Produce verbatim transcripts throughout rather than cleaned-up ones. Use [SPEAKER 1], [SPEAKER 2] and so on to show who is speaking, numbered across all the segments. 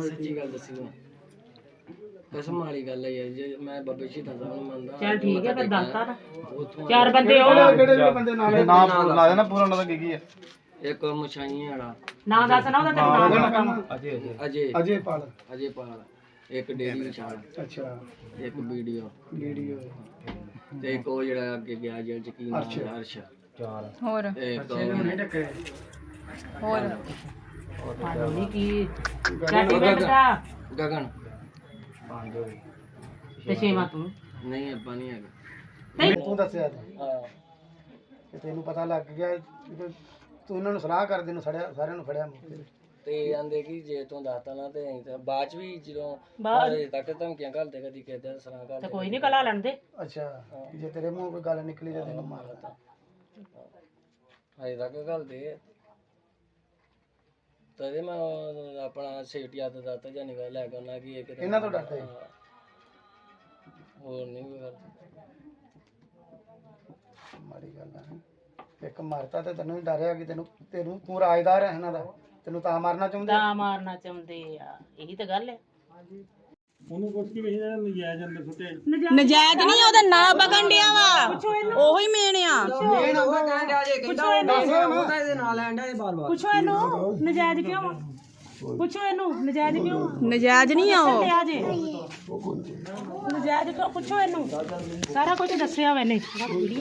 [SPEAKER 1] ਸੱਚੀ ਗੱਲ ਦੱਸੀ ਮੈਂ ਕਸਮ ਵਾਲੀ ਗੱਲ ਹੈ ਯਾਰ ਜੇ ਮੈਂ ਬਾਬੇ ਸ਼ਹੀਦਾਂ ਸਾਹਿਬ ਨੂੰ ਮੰਨਦਾ
[SPEAKER 2] ਚੱਲ ਠੀਕ ਹੈ ਫਿਰ ਦੱਸਤਾ ਨਾ
[SPEAKER 1] ਉੱਥੋਂ
[SPEAKER 2] ਚਾਰ ਬੰਦੇ ਉਹ
[SPEAKER 3] ਕਿਹੜੇ ਕਿਹੜੇ ਬੰਦੇ ਨਾਲ ਨਾਮ ਲਾ ਦੇਣਾ ਪੂਰਾ ਉਹਨਾਂ ਦਾ ਕੀ ਕੀ ਹੈ
[SPEAKER 1] ਇੱਕ ਮਛਾਈਆਂ ਵਾਲਾ
[SPEAKER 2] ਨਾਂ ਦੱਸ ਨਾ ਉਹਦਾ ਤੈਨੂੰ ਨਾਮ ਪਤਾ ਵਾ
[SPEAKER 1] ਅਜੇ ਅਜੇ
[SPEAKER 3] ਅਜੇ ਪਾਲ
[SPEAKER 1] ਅਜੇ ਪਾਲ ਇੱਕ ਡੇਰੀ ਵਿਚਾਲ
[SPEAKER 3] ਅੱਛਾ
[SPEAKER 1] ਇੱਕ ਵੀਡੀਓ
[SPEAKER 3] ਵੀਡੀਓ
[SPEAKER 1] ਤੇ ਇੱਕ ਉਹ ਜਿਹੜਾ ਅੱਗੇ ਗਿਆ ਜੇਲ੍ਹ ਚ ਕੀ ਨਾਮ ਹੈ ਅਰਸ਼
[SPEAKER 4] ਚਾਰ
[SPEAKER 5] ਹੋਰ
[SPEAKER 1] ਤੇ ਇੱਕ
[SPEAKER 5] ਹੋਰ
[SPEAKER 2] ਪਾਣੀ ਕੀ ਚਾਟੀ ਪਿੰਡ ਦਾ
[SPEAKER 1] ਗਗਨ
[SPEAKER 4] ਪੰਜ ਹੋਏ
[SPEAKER 2] ਤੇ ਛੇਵਾਂ ਤੂੰ
[SPEAKER 1] ਨਹੀਂ ਆਪਾਂ ਨਹੀਂ ਹੈਗਾ
[SPEAKER 2] ਨਹੀਂ
[SPEAKER 3] ਤੂੰ ਦੱਸਿਆ ਤਾਂ
[SPEAKER 1] ਹਾਂ
[SPEAKER 3] ਕਿ ਤੈਨੂੰ ਪਤਾ ਲੱਗ ਗਿਆ ਕਿ ਤੂੰ ਇਹਨਾਂ ਨੂੰ ਸਲਾਹ ਕਰਦੇ ਨੂੰ ਸੜਿਆ ਸਾਰਿਆਂ ਨੂੰ ਫੜਿਆ ਮੌਕੇ ਤੇ
[SPEAKER 1] ਤੇ ਆਂਦੇ ਕਿ ਜੇ ਤੂੰ ਦੱਸਤਾ ਨਾ ਤੇ ਅਸੀਂ ਤਾਂ ਬਾਅਦ ਚ ਵੀ ਜਦੋਂ
[SPEAKER 2] ਬਾਅਦ-
[SPEAKER 1] ਹਜੇ ਤੱਕ ਧਮਕੀਆਂ ਘੱਲਦੇ ਕਦੀ ਕਿਸੇ ਦਾ ਸਲਾਹ
[SPEAKER 2] ਤੇ
[SPEAKER 1] ਕਰਦੇ
[SPEAKER 2] ਕੋਈ ਨਹੀਂ ਕਲਾ ਲੈਣ ਦੇ
[SPEAKER 3] ਅੱਛਾ ਜੇ ਤੇਰੇ ਮੂੰਹ ਕੋਈ ਗੱਲ ਨਿਕਲੀ ਤਾਂ ਤੈਨੂੰ ਮਾਰ ਦਿੱਤਾ
[SPEAKER 1] ਹਜੇ ਤੱਕ ਘੱਲਦੇ ਆ ਤਦੇ ਮੈਂ ਉਹ ਆਪਣਾ ਸੇਠੀਆ ਦਾ ਦਾਤਾ ਜਾਂ ਨਿਗਾਹ ਲੈ ਕੇ ਉਹਨਾਂ ਕੀ ਇੱਕ
[SPEAKER 3] ਇਹਨਾਂ ਤੋਂ ਡਰਦੇ?
[SPEAKER 1] ਹੋਰ ਨਹੀਂ ਕੋਈ ਗੱਲ
[SPEAKER 3] ਮਾੜੀ ਗੱਲ ਆ ਇੱਕ ਮਾਰਤਾ ਤੇ ਤੈਨੂੰ ਵੀ ਡਰਿਆ ਕਿ ਤੈਨੂੰ ਤੈਨੂੰ ਤੂੰ ਰਾਜਦਾਰ ਹੈ ਇਹਨਾਂ ਦਾ ਤੈਨੂੰ ਤਾਂ ਮਾਰਨਾ ਚਾਹੁੰਦੇ
[SPEAKER 2] ਤਾਂ ਮਾਰਨਾ ਚਾਹੁੰਦੇ ਆ ਇਹੀ ਤਾਂ ਗੱਲ ਹੈ
[SPEAKER 5] ਨਜਾਇਜ਼ ਨਹੀਂ ਉਹਦਾ ਨਾਂ ਬਗਣ ਡਿਆ ਵਾ ਉਹੀ ਮੇਨ ਆ
[SPEAKER 2] ਪੁੱਛੋ ਇਹਨੂੰ ਨਜਾਇਜ਼ ਕਿਉਂ ਵਾ? ਪੁੱਛੋ ਇਹਨੂੰ ਨਜਾਇਜ਼ ਕਿਉਂ ਵਾ?
[SPEAKER 5] ਨਜਾਇਜ਼ ਨਹੀਂ ਆ ਉਹ
[SPEAKER 2] ਆ ਜੇ ਨਜਾਇਜ਼ ਕਿਉਂ ਪੁੱਛੋ ਇਹਨੂੰ ਸਾਰਾ ਕੁਝ ਦੱਸਿਆ ਵਾ ਇਹਨੇ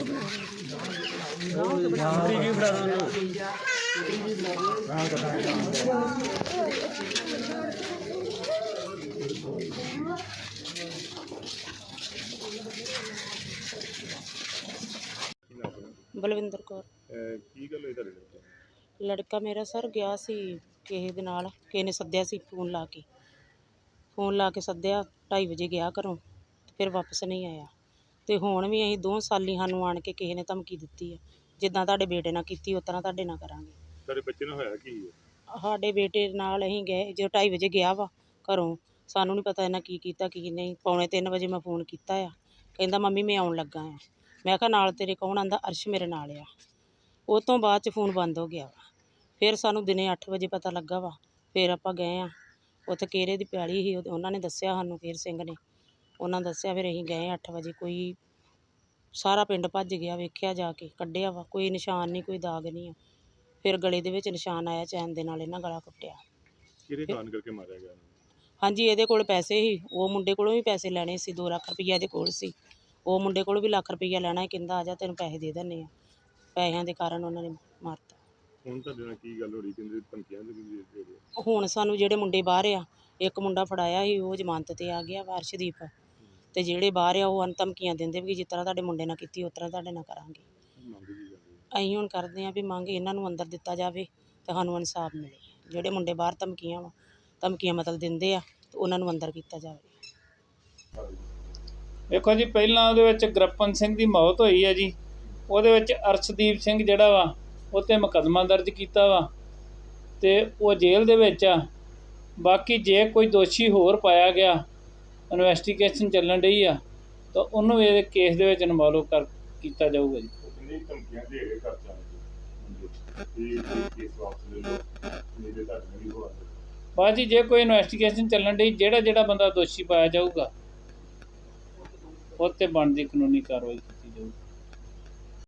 [SPEAKER 6] ਬਲਵਿੰਦਰ ਕੌਰ।
[SPEAKER 7] ਕੀ ਗੱਲ ਹੋਈ ਤੁਹਾਡੇ ਨਾਲ?
[SPEAKER 6] ਲੜਕਾ ਮੇਰਾ ਸਰ ਗਿਆ ਸੀ ਕਿਸੇ ਦੇ ਨਾਲ, ਕਿਸੇ ਨੇ ਸੱਦਿਆ ਸੀ ਫੋਨ ਲਾ ਕੇ ਫੋਨ ਲਾ ਕੇ ਸੱਦਿਆ ਢਾਈ ਵਜੇ ਗਿਆ ਘਰੋਂ ਤੇ ਫਿਰ ਵਾਪਸ ਨਹੀਂ ਆਇਆ। ਤੇ ਹੁਣ ਵੀ ਅਸੀਂ ਦੋ ਸਾਲੀ ਸਾਨੂੰ ਆਣ ਕੇ ਕਿਸੇ ਨੇ ਧਮਕੀ ਦਿੱਤੀ ਆ ਜਿੱਦਾਂ ਤੁਹਾਡੇ ਬੇਟੇ ਨਾਲ ਕੀਤੀ ਉਸ ਤਰ੍ਹਾਂ ਤੁਹਾਡੇ ਨਾਲ ਕਰਾਂਗੇ।
[SPEAKER 7] ਤੁਹਾਡੇ ਬੱਚੇ ਨਾਲ ਹੋਇਆ ਕੀ ਹੈ?
[SPEAKER 6] ਸਾਡੇ ਬੇਟੇ ਨਾਲ ਅਸੀਂ ਗਏ ਜਦੋਂ ਢਾਈ ਵਜੇ ਗਿਆ ਵਾ ਘਰੋਂ, ਸਾਨੂੰ ਨਹੀਂ ਪਤਾ ਇਹਨਾਂ ਕੀ ਕੀਤਾ ਕੀ ਨਹੀਂ। ਪੌਣੇ ਤਿੰਨ ਵਜੇ ਮੈਂ ਫੋਨ ਕੀਤਾ ਆ, ਕਹਿੰਦਾ ਮੰਮੀ ਮੈਂ ਆਉਣ ਲੱਗਾ ਆ। ਮੈਂ ਕਿਹਾ ਨਾਲ ਤੇਰੇ ਕੌਣ? ਆਂਦਾ ਅਰਸ਼ ਮੇਰੇ ਨਾਲ ਆ। ਉਹ ਤੋਂ ਬਾਅਦ 'ਚ ਫੋਨ ਬੰਦ ਹੋ ਗਿਆ ਵਾ। ਫਿਰ ਸਾਨੂੰ ਦਿਨੇ ਅੱਠ ਵਜੇ ਪਤਾ ਲੱਗਾ ਵਾ। ਫਿਰ ਆਪਾਂ ਗਏ ਆ ਉੱਥੇ ਕੇਰੇ ਦੀ ਪਿਆਲੀ ਸੀ, ਉਹਨਾਂ ਨੇ ਦੱਸਿਆ ਸਾਨੂੰ, ਫੇਰ ਸਿੰਘ ਨੇ ਉਹਨਾਂ ਦੱਸਿਆ। ਫਿਰ ਅਸੀਂ ਗਏ ਅੱਠ ਵਜੇ, ਕੋਈ ਸਾਰਾ ਪਿੰਡ ਭੱਜ ਗਿਆ, ਵੇਖਿਆ ਜਾ ਕੇ, ਕੱਢਿਆ ਵਾ, ਕੋਈ ਨਿਸ਼ਾਨ ਨਹੀਂ, ਕੋਈ ਦਾਗ ਨਹੀਂ ਆ। ਫਿਰ ਗਲੇ ਦੇ ਵਿੱਚ ਨਿਸ਼ਾਨ ਆਇਆ, ਚੈਨ ਦੇ ਨਾਲ ਇਹਨਾਂ ਗਲਾ ਕੁੱਟਿਆ।
[SPEAKER 7] ਕਿਹੜੇ ਕਾਰਨ ਕਰਕੇ ਮਾਰਿਆ ਗਿਆ?
[SPEAKER 6] ਹਾਂਜੀ ਇਹਦੇ ਕੋਲ ਪੈਸੇ ਸੀ, ਉਹ ਮੁੰਡੇ ਕੋਲੋਂ ਵੀ ਪੈਸੇ ਲੈਣੇ ਸੀ, ਦੋ ਲੱਖ ਰੁਪਈਆ ਇਹਦੇ ਕੋਲ ਸੀ, ਉਹ ਮੁੰਡੇ ਕੋਲ ਵੀ ਲੱਖ ਰੁਪਈਆ ਲੈਣਾ ਸੀ। ਕਹਿੰਦਾ ਆ ਜਾ ਤੈਨੂੰ ਪੈਸੇ ਦੇ ਦਿੰਦੇ ਆ। ਪੈਸਿਆਂ ਦੇ ਕਾਰਨ ਉਹਨਾਂ ਨੇ ਮਾਰਤਾ।
[SPEAKER 7] ਹੁਣ ਤੁਹਾਡੇ ਨਾਲ ਕੀ ਗੱਲ ਹੋ ਰਹੀ? ਕਹਿੰਦੇ ਧਮਕੀਆਂ ਦੇ ਦੇ ਰਹੇ?
[SPEAKER 6] ਹੁਣ ਸਾਨੂੰ ਜਿਹੜੇ ਮੁੰਡੇ ਬਾਹਰ ਆ, ਇੱਕ ਮੁੰਡਾ ਫੜਾਇਆ ਸੀ ਉਹ ਜ਼ਮਾਨਤ ਤੇ ਆ ਗਿਆ ਵਾਰਸ਼ਦੀਪ, ਤੇ ਜਿਹੜੇ ਬਾਹਰ ਆ ਉਹ ਧਮਕੀਆਂ ਦਿੰਦੇ ਵੀ ਜਿਸ ਤਰ੍ਹਾਂ ਤੁਹਾਡੇ ਮੁੰਡੇ ਨਾਲ ਕੀਤੀ ਉਸ ਤਰ੍ਹਾਂ ਤੁਹਾਡੇ ਨਾਲ ਕਰਾਂਗੇ।
[SPEAKER 7] ਮੰਗ ਕੀ ਕਰਦੇ?
[SPEAKER 6] ਅਸੀਂ ਹੁਣ ਕਰਦੇ ਹਾਂ ਵੀ ਮੰਗ ਇਹਨਾਂ ਨੂੰ ਅੰਦਰ ਦਿੱਤਾ ਜਾਵੇ ਤੇ ਸਾਨੂੰ ਇਨਸਾਫ ਮਿਲੇ। ਜਿਹੜੇ ਮੁੰਡੇ ਬਾਹਰ ਧਮਕੀਆਂ ਵਾ ਧਮਕੀਆਂ ਮਤਲਬ ਦਿੰਦੇ ਆ ਤੇ ਉਹਨਾਂ ਨੂੰ ਅੰਦਰ ਕੀਤਾ ਜਾਵੇ।
[SPEAKER 8] ਦੇਖੋ ਜੀ, ਪਹਿਲਾਂ ਉਹਦੇ ਵਿੱਚ ਗੁਰਪਨ ਸਿੰਘ ਦੀ ਮੌਤ ਹੋਈ ਹੈ ਜੀ, ਉਹਦੇ ਵਿੱਚ ਅਰਸ਼ਦੀਪ ਸਿੰਘ ਜਿਹੜਾ ਵਾ ਉਹ 'ਤੇ ਮੁਕੱਦਮਾ ਦਰਜ ਕੀਤਾ ਵਾ ਤੇ ਉਹ ਜੇਲ੍ਹ ਦੇ ਵਿੱਚ ਆ। ਬਾਕੀ ਜੇ ਕੋਈ ਦੋਸ਼ੀ ਹੋਰ ਪਾਇਆ ਗਿਆ, ਇਨਵੈਸਟੀਗੇਸ਼ਨ ਚੱਲਣ ਰਹੀ ਆ, ਤਾਂ ਉਹਨੂੰ ਇਹ ਕੇਸ ਦੇ ਵਿੱਚ ਇਨਵੋਲਵ ਕਰ ਕੀਤਾ ਜਾਊਗਾ ਜੀ।
[SPEAKER 7] ਕਿੰਨੀ ਧਮਕੀਆਂ ਦੇ ਰਹੇ ਘਰ ਜਾਣ ਦੀ? ਇਹ ਕੇਸ ਵਾਪਸ ਲੈ ਲਓ, ਨਹੀਂ ਤੇ ਤੁਹਾਡੇ ਨਾਲ ਵੀ ਹੋਣਾ।
[SPEAKER 8] ਬਾਅਦ ਜੀ ਜੇ ਕੋਈ ਇਨਵੈਸਟੀਗੇਸ਼ਨ ਚੱਲਣ ਰਹੀ, ਜਿਹੜਾ ਜਿਹੜਾ ਬੰਦਾ ਦੋਸ਼ੀ ਪਾਇਆ ਜਾਊਗਾ ਉਹ 'ਤੇ ਬਣਦੀ ਕਾਨੂੰਨੀ ਕਾਰਵਾਈ ਕੀਤੀ ਜਾਊਗੀ।